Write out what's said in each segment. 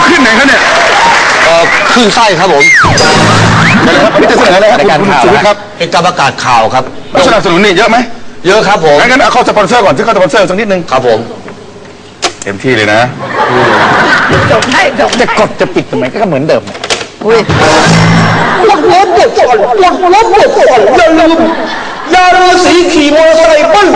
ขึ้นไหนครับเนี่ยขึ้นไส้ครับผมวันนี้จะเสนออะไรครับคุณสุวิทย์ครับเป็นการประกาศข่าวครับสนับสนุนนี่เยอะไหมเยอะครับผมงั้นเอาเข้าสปอนเซอร์ก่อนที่เข้าสปอนเซอร์สักนิดนึงครับผมเต็มที่เลยนะจบให้จบจะกดจะปิดทำไมก็เหมือนเดิมอุ้ยปวดหัวปวดก่อนปวดหัวปวดก่อนอย่าลืมยาฤาษีขี่มอเตอร์ไซค์ปั้น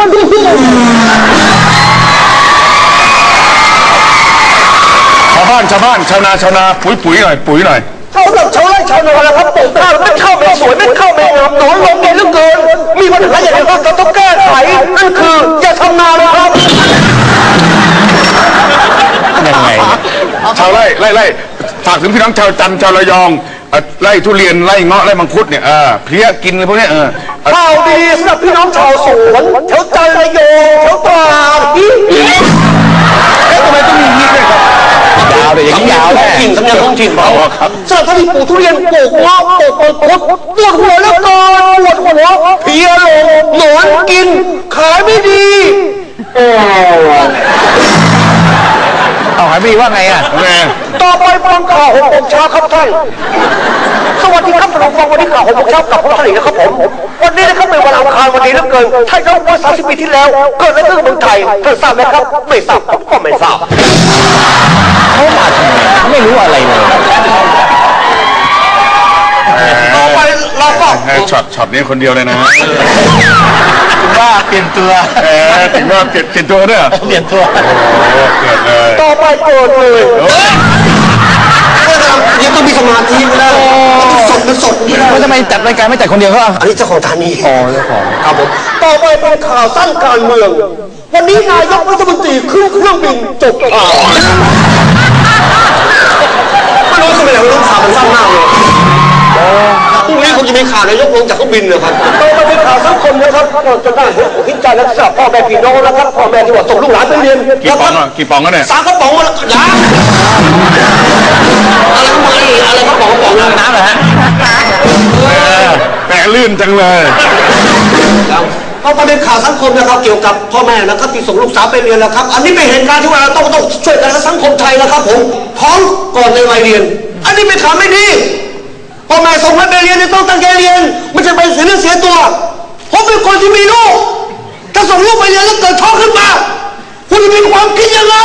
ชาวบ้านชาวนาปุ๋ยหน่อยเขาแบบชาวไร่ชาวนาแล้วครับปลูกข้าวไม่เข้าไม่สวยไม่เข้าไม่งามหนอนลงเยอะเหลือเกินมีปัญหาอย่างไรครับเราต้องแก้ไขนั่นคืออย่าทำนาเลยครับยังไงชาวไร่ฝากถึงพี่น้องชาวจันทร์ชาวระยองไร่ทุเรียนไร่เงาะไร่มังคุดเนี่ยเพลี้ยกินอะไรพวกนี้ข่าวดีสำหรับพี่น้องชาวสวนแถวจันทร์ระยองแถวตราดทำไมต้องมีนี้ด้วยครับยาวเลยอย่างนี้ยาวแน่สำเนียงท้องถิ่นเราครับสำหรับท่านที่ปลูกทุเรียนปลูกเงาะปลูกมังคุดปวดหัวแล้วก็ปวดหัวเพลี้ยลงหนอนกินขายไม่ดีเอาหายไม่ว่าไงอ่ะต่อไปฟังข่าว6 โมงเช้าครับท่านสวัสดีครับท่านผู้ฟังวันนี้ข่าว6 โมงเช้ากับผมท่านอีกนะครับผมวันนี้นะครับเป็นวันอังคารวันนี้เหลือเกินท่านย้อนว่า30 ปีที่แล้วเกิดอะไรขึ้นกับเมืองไทยท่านทราบไหมครับไม่ทราบผมก็ไม่ทราบเขามาทำไมไม่รู้อะไรเลยต่อไปเราก็ช็อตนี้คนเดียวเลยนะว่าเปลี่ยนตัวถึงว่าเปลี่ยนตัวเนี่ยเปลี่ยนตัวเกิดเลยต่อไปเกิดเลยยังต้องมีสมาธินะมันสดนี่นะทำไมจัดรายการไม่จัดคนเดียวก็อันนี้เจ้าของฐานีเจ้าของครับผมต่อไปเป็นข่าวสั้นการเมืองวันนี้นายกรัฐมนตรีขึ้นเครื่องบินจบข่าวไม่รู้ทำไมเราต้องข่าวมันสั้นมากเลยพรุ่งนี้คงจะมีข่าวนายกลงจากเครื่องบินเลยครับต่อไปเป็นข่าวสังคมนะครับจะได้คิดใจและสำหรับพ่อแม่พี่น้องนะครับพ่อแม่ที่ว่าส่งลูกหลานไปเรียนกี่ปองก็เนี่ย 3 กระป๋องแล้วยาอะไรกระป๋องน้ำเหรอฮะแต่ลื่นจังเลยก็ประเด็นข่าวสังคมนะครับเกี่ยวกับพ่อแม่นะครับที่ส่งลูกสาวไปเรียนนะครับอันนี้เป็นเหตุการณ์ที่ว่าเราต้องช่วยกันสังคมไทยนะครับผมท้องก่อนในวัยเรียนอันนี้เป็นข่าวไม่ดีพ่อแม่ส่งให้ไปเรียนต้องตั้งใจเรียนไม่ใช่ไปเสียเนื้อเสียตัวผมเป็นคนที่มีลูกถ้าส่งลูกไปเรียนแล้วเกิดท้องขึ้นมาคุณจะมีความคิดยังไง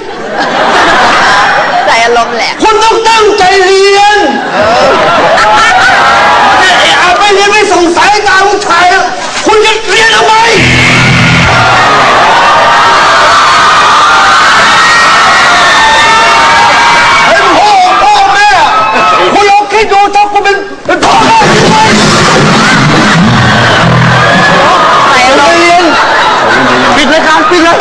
ใจอารมณ์แหละคุณต้องตั้งใจเรียนไม่เรียนไม่ส่งสายตาลูกชายคุณจะเรียนทำไมเป็นพ่อแม่คุณลองคิดดูถ้าคุณเป็นพ่อแม่ใจอารมณ์เรียนปิดรายการปิดเลย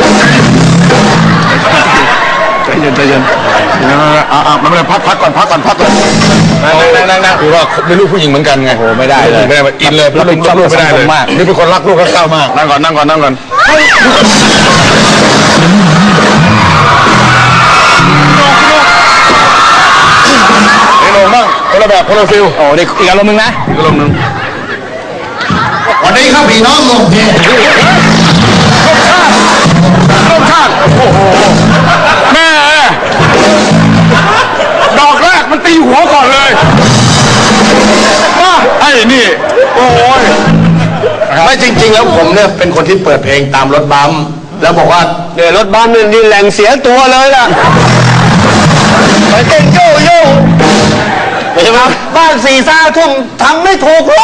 ใจเย็นมันไม่พักก่อนนั่งคือว่าเป็นลูกผู้หญิงเหมือนกันไงโอ้ไม่ได้เลยไม่ได้อินเลยแล้วเป็นลูกไม่ได้เลยนี่เป็นคนรักลูกรักเต้ามากนั่งก่อนนี่ลงบ้างคนละแบบคนละฟิลโอ้เด็กอีกอารมณ์นึงนะอีกอารมณ์นึงวันนี้ครับพี่น้องลงเพลงโอ้โหแม่ดอกแรกมันตีหัวก่อนเลยไอ้นี่โอ้ยไม่จริงๆแล้วผมเนี่ยเป็นคนที่เปิดเพลงตามรถบัมแล้วบอกว่าเนี่ยรถบัมนี่แหล่งเสียตัวเลยล่ะไปเต้นโย่ใช่ไหมบ้าน4 ทุ่มทำไม่ถูกเล